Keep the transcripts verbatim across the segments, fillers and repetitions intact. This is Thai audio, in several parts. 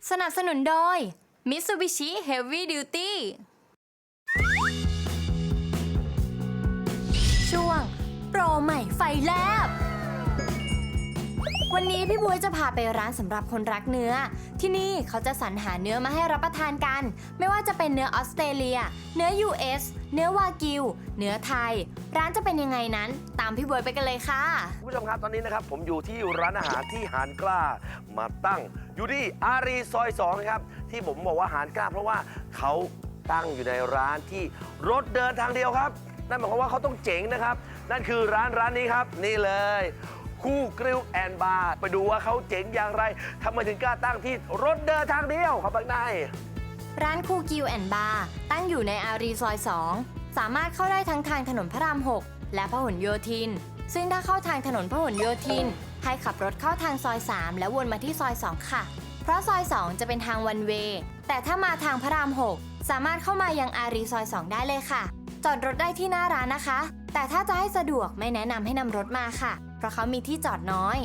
สนับสนุนโดย Mitsubishi Heavy Duty ช่วงโปรใหม่ไฟแลบวันนี้พี่บวยจะพาไปร้านสำหรับคนรักเนื้อที่นี่เขาจะสรรหาเนื้อมาให้รับประทานกันไม่ว่าจะเป็นเนื้อออสเตรเลียเนื้อ ยู เอส เนื้อวากิวเนื้อไทยร้านจะเป็นยังไงนั้นตามพี่บวยไปกันเลยค่ะคุณผู้ชมครับตอนนี้นะครับผมอยู่ที่ร้านอาหารที่หานกล้ามาตั้งอยู่ที่อารีซอยสองครับที่ผมบอกว่าหานกล้าเพราะว่าเขาตั้งอยู่ในร้านที่รถเดินทางเดียวครับนั่นหมายความว่าเขาต้องเจ๋งนะครับนั่นคือร้านร้านนี้ครับนี่เลยคู่กริลแอนด์บาร์ไปดูว่าเขาเจ๋งอย่างไรทำไมถึงกล้าตั้งที่รถเดินทางเดียวครับข้างในร้านคู่กิลแอนด์บาร์ตั้งอยู่ในอารีซอยสองสามารถเข้าได้ทั้งทางถนนพระรามหกและพหลโยธินซึ่งถ้าเข้าทางถนนพหลโยธินให้ขับรถเข้าทางซอยสามแล้ววนมาที่ซอยสองค่ะเพราะซอยสองจะเป็นทางวันเวย์แต่ถ้ามาทางพระรามหกสามารถเข้ามายังอารีซอยสองได้เลยค่ะจอดรถได้ที่หน้าร้านนะคะแต่ถ้าจะให้สะดวกไม่แนะนำให้นำรถมาค่ะเพราะเขามีที่จอดน้อย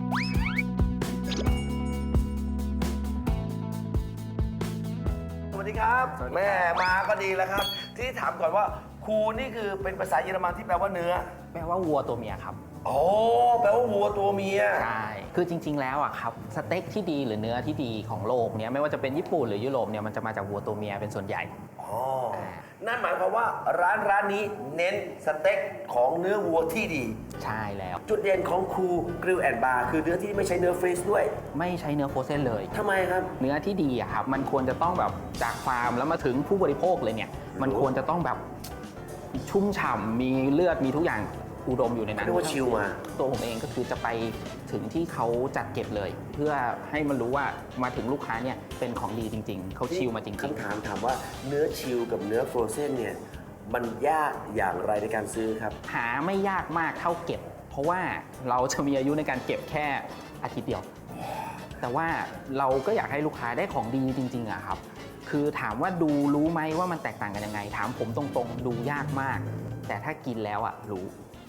สวัสดีครับแม่มาก็ดีแล้วครับที่ถามก่อนว่าคูนี่คือเป็นภาษาเยอรมันที่แปลว่าเนื้อแปลว่าวัวตัวเมียครับโอ้แปลว่าวัวตัวเมียใช่คือจริงๆแล้วอะครับสเต็กที่ดีหรือเนื้อที่ดีของโลกเนี้ยไม่ว่าจะเป็นญี่ปุ่นหรือยุโรปเนี่ยมันจะมาจากวัวตัวเมียเป็นส่วนใหญ่อ๋อนั่นหมายความว่าร้านร้านนี้เน้นสเต็กของเนื้อวัวที่ดีใช่แล้วจุดเด่นของคูกริลแอนด์บาร์คือเนื้อที่ไม่ใช้เนื้อฟรีซด้วยไม่ใช้เนื้อโฟรเซนเลยทำไมครับเนื้อที่ดีอะครับมันควรจะต้องแบบจากฟาร์มแล้วมาถึงผู้บริโภคเลยเนี่ยมันควรจะต้องแบบชุ่มฉ่ำมีเลือดมีทุกอย่างอุดมอยู่ในนั้นเรียกว่าชิลมาตัวผมเองก็คือจะไปถึงที่เขาจัดเก็บเลยเพื่อให้มันรู้ว่ามาถึงลูกค้าเนี่ยเป็นของดีจริงๆเขาชิลมาจริงๆคำถามถามว่าเนื้อชิลกับเนื้อฟรอเซนเนี่ยมันยากอย่างไรในการซื้อครับหาไม่ยากมากเท่าเก็บเพราะว่าเราจะมีอายุในการเก็บแค่อาทิตย์เดียวแต่ว่าเราก็อยากให้ลูกค้าได้ของดีจริงๆอะครับคือถามว่าดูรู้ไหมว่ามันแตกต่างกันยังไงถามผมตรงๆดูยากมากแต่ถ้ากินแล้วอะรู้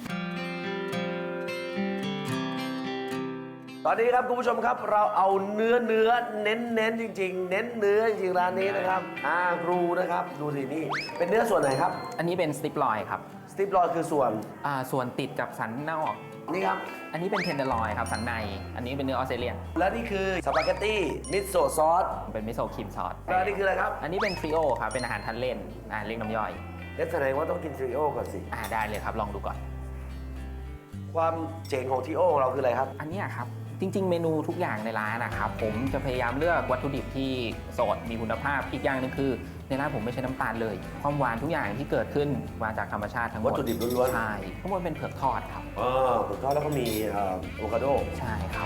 ตอนนี้ครับคุณผู้ชมครับเราเอาเนื้อเนื้อเน้นเน้นจริงๆเน้นเนื้อจริงๆร้านนี้นะครับอารูนะครับดูสินี่เป็นเนื้อส่วนไหนครับอันนี้เป็นสติปลอยครับสติปลอยคือส่วนอ่าส่วนติดกับสันนอกนี่ครับอันนี้เป็นเทนเดอร์ลอยครับสันในอันนี้เป็นเนื้อออสเตรเลียนและนี่คือสปาเกตตี้มิโซะซอสเป็นมิโซะครีมซอสแล้วนี่คืออะไรครับอันนี้เป็นทริโอครับเป็นอาหารทานเล่นอ่าเรียกน้ำย่อยงั้นแสดงว่าต้องกินทริโอก่อนสิอ่าได้เลยครับลองดูก่อนความเจ๋งของทริโอของเราคืออะไรครับอันนี้ครับจริงๆเมนูทุกอย่างในร้านนะครับผมจะพยายามเลือกวัตถุดิบที่สดมีคุณภาพอีกอย่างนึงคือในร้านผมไม่ใช้น้ำตาลเลยความหวานทุกอย่างที่เกิดขึ้นมาจากธรรมชาติทั้งหมดวัตถุดิบล้วนๆใช่ทั้งหมดเป็นเผือกทอดครับเออเผือกทอดแล้วก็มีอะโวคาโดใช่ครับ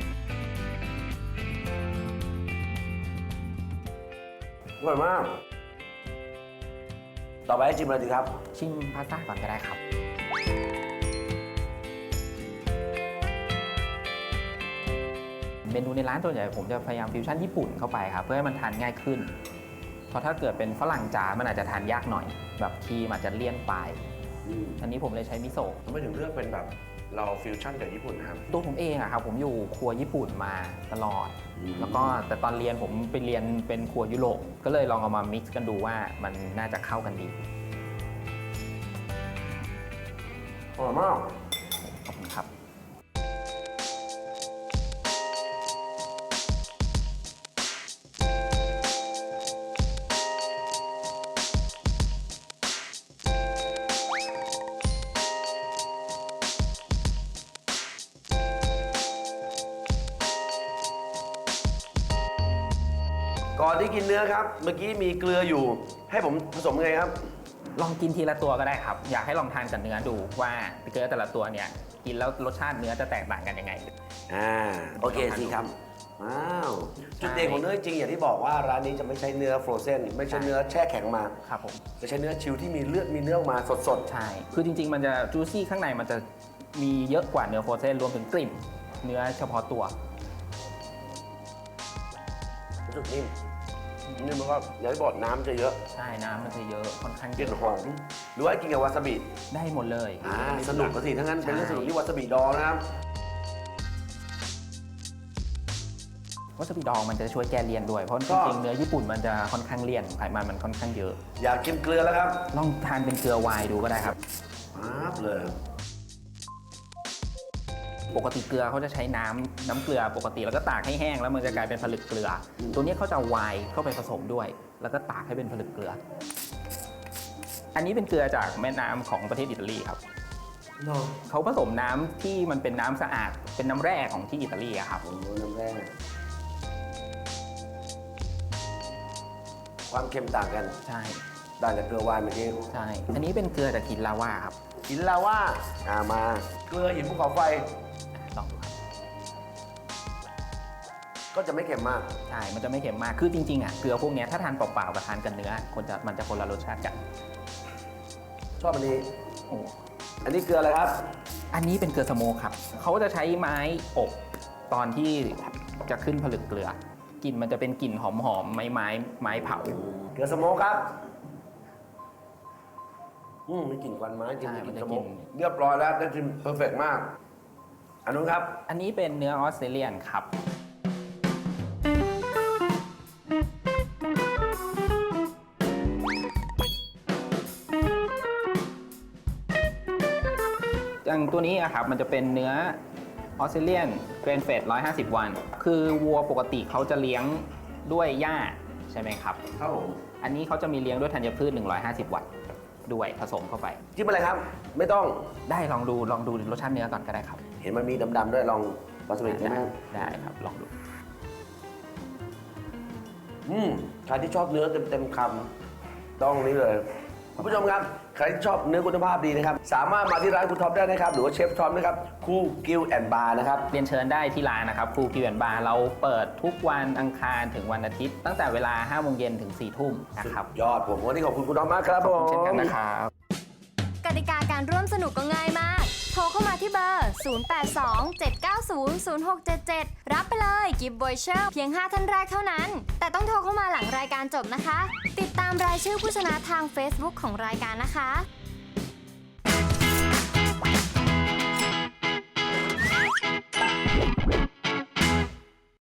อร่อยมากต่อไปให้ชิมอะไรดีครับชิมพาสต้าก่อนก็ได้ครับเมนูในร้านตัวใหญ่ผมจะพยายามฟิวชั่นญี่ปุ่นเข้าไปครับเพื่อให้มันทานง่ายขึ้นเพราะถ้าเกิดเป็นฝรั่งจ๋ามันอาจจะทานยากหน่อยแบบครีมอาจจะเลี่ยนไปอันนี้ผมเลยใช้มิโซะทำไมถึงเลือกเป็นแบบเราฟิวชั่นกับญี่ปุ่นครับตัวผมเองอะครับผมอยู่ครัวญี่ปุ่นมาตลอดแล้วก็แต่ตอนเรียนผมไปเรียนเป็นครัวยุโรปก็เลยลองเอามามิกซ์กันดูว่ามันน่าจะเข้ากันดีอร่อยมากขอบคุณครับก่อนที่กินเนื้อครับเมื่อกี้มีเกลืออยู่ให้ผมผสมไงครับลองกินทีละตัวก็ได้ครับอยากให้ลองทานกับเนื้อดูว่าเกลือแต่ละตัวเนี่ยกินแล้วรสชาติเนื้อจะแตกต่างกันยังไงอ่าโอเคสิครับว้าวจุดเด่นของเนื้อจริงอย่างที่บอกว่าร้านนี้จะไม่ใช้เนื้อฟรอเซนไม่ใช่เนื้อแช่แข็งมาครับผมจะใช้เนื้อชิลที่มีเลือดมีเนื้อออกมาสดๆใช่คือจริงๆมันจะจูซี่ข้างในมันจะมีเยอะกว่าเนื้อฟรอเซนรวมถึงกลิ่นเนื้อเฉพาะตัวรู้สึกนิ่มนี่มันก็อย่างที่บอกน้ำจะเยอะใช่น้ำมันจะเยอะค่อนข้างกลิ่นหอมหรือว่ากินกับวาซาบิได้หมดเลยอ่าสนุกก็สิทั้งนั้นเป็นเรื่องสนุกที่วาซาบิดองนะครับวาซาบิดองมันจะช่วยแก้เลี่ยนด้วยเพราะจริงๆเนื้อญี่ปุ่นมันจะค่อนข้างเลี่ยนไขมันมันค่อนข้างเยอะอยากกินเกลือแล้วครับลองทานเป็นเกลือไวน์ดูก็ได้ครับปั๊บเลยปกติเกลือเขาจะใช้น้ำน้ำเกลือปกติแล้วก็ตากให้แห้งแล้วมันจะกลายเป็นผลึกเกลือ ตัวนี้เขาจะเอาไวน์เข้าไปผสมด้วย แล้วก็ตากให้เป็นผลึกเกลือ อันนี้เป็นเกลือจากแม่น้ำของประเทศอิตาลีครับเนาะเขาผสมน้ำที่มันเป็นน้ำสะอาดเป็นน้ำแร่ของที่อิตาลีอะครับโอ้โหน้ำแร่ความเค็มต่างกันใช่ต่างจากเกลือวานเมื่อกี้ใช่ อันนี้เป็นเกลือจากหินลาวาครับหินลาว่าอ่ามาเกลือหินภูเขาไฟลองดูครับก็จะไม่เค็มมากใช่ มันจะไม่เค็มมาก คือจริงๆอ่ะเกลือพวกเนี้ยถ้าทานเปล่าๆกับทานกับเนื้อคนจะมันจะคนละรสชาติกันชอบอันนี้โอ้อันนี้เกลืออะไรครับอันนี้เป็นเกลือสโมกครับ เขาจะใช้ไม้อบตอนที่จะขึ้นผลึกเกลือกลิ่นมันจะเป็นกลิ่นหอมๆไม้ไม้ไม้เผาเกลือสโมกครับ อืมมีกลิ่นควันไม้กลิ่นใช่กมัลิ่นนจะสโมกลิ่กนเรียบร้อยแล้วได้ชิมเพอร์เฟกมาก อันนู้นครับอันนี้เป็นเนื้อออสเตรเลียนครับ อย่างตัวนี้อะครับมันจะเป็นเนื้อออสเตรเลียนเกรนเฟดหนึ่งร้อยห้าสิบ วัน คือวัวปกติเขาจะเลี้ยงด้วยหญ้าใช่ไหมครับครับผมอันนี้เขาจะมีเลี้ยงด้วยธัญพืช หนึ่งร้อยห้าสิบ วัตต์ด้วยผสมเข้าไปจิ้มอะไรครับ ไม่ต้องได้ลองดูลองดูรสชาติเนื้อก่อนก็ได้ครับเห็นมันมีดำๆด้วยลองวาซาบิได้ไหมได้ครับลองดูอืมใครที่ชอบเนื้อเต็มๆคำต้องนี้เลยคุณผู้ชมครับใครที่ชอบเนื้อคุณภาพดีนะครับ สามารถมาที่ร้านคุณท็อปได้นะครับ หรือว่าเชฟท็อปนะครับคูกิลแอนด์บาร์นะครับเรียนเชิญได้ที่ร้านนะครับครูกิวแอนบาร์เราเปิดทุกวันอังคารถึงวันอาทิตย์ ตั้งแต่เวลาห้าโมงเย็นถึงสี่ทุ่มนะครับยอดผมวันนี้ขอบคุณคุณท็อปมากครับขผอบมคุณเช่นกันนะครับกติกาการร่วมสนุกก็ง่ายมาก โทรเข้ามาที่เบอร์ ศูนย์ แปด สอง เจ็ด เก้า ศูนย์ ศูนย์ หก เจ็ด เจ็ด รับไปเลยกิฟต์วอยเชอร์เพียง ห้า ท่านแรกเท่านั้น แต่ต้องโทรเข้ามาหลังรายการจบนะคะ ติดตามรายชื่อผู้ชนะทาง Facebook ของรายการนะคะ